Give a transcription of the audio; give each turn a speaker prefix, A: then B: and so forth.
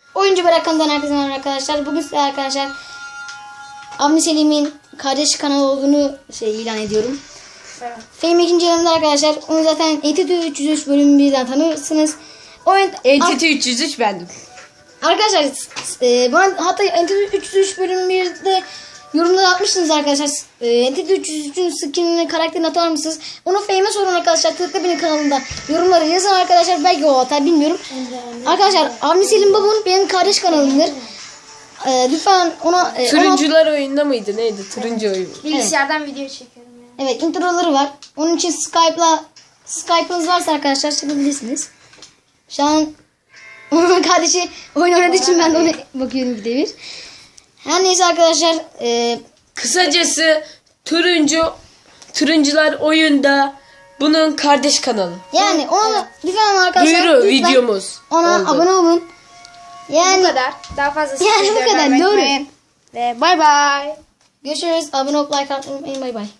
A: Oyuncu Bırakan'dan herkese merhaba arkadaşlar. Bugün size arkadaşlar Avni Selim'in kardeş kanalı olduğunu ilan ediyorum.
B: Evet.
A: Fame ikinci yanımda arkadaşlar. Onu zaten Entity 303 bölüm 1'den tanırsınız.
B: Entity 303 bendim.
A: Arkadaşlar hatta Entity 303 bölüm 1'de yorumlara atmışsınız arkadaşlar. Entity 303'ün skinini, karakterini atar mısınız? Onu Fame'e sorun arkadaşlar. Tıkla benim kanalımda yorumları yazın arkadaşlar. Belki o atar, bilmiyorum. Arkadaşlar Avni Selim Babun benim kardeş kanalımdır. Lütfen ona...
B: Turuncular oyunda mıydı? Neydi? Turuncu oyun.
C: Bilgisayardan video çekiyorum yani.
A: Evet, introları var. Onun için Skype'ınız varsa arkadaşlar çekebilirsiniz. Şu an onun kardeşi oyun oynadığı için ben de ona bakıyorum bir de bir. Her neyse arkadaşlar.
B: Kısacası turuncular oyunda bunun kardeş kanalı.
A: Yani ona lütfen arkadaşlar.
B: Duyuru
A: lütfen
B: videomuz.
A: ona
B: oldu.
A: abone olun. Yani
C: Bu kadar. Daha fazlası
A: Yani bu kadar, doğru.
C: Ve bay bay.
A: görüşürüz. Abone olup like atmayı unutmayın. Bay bay.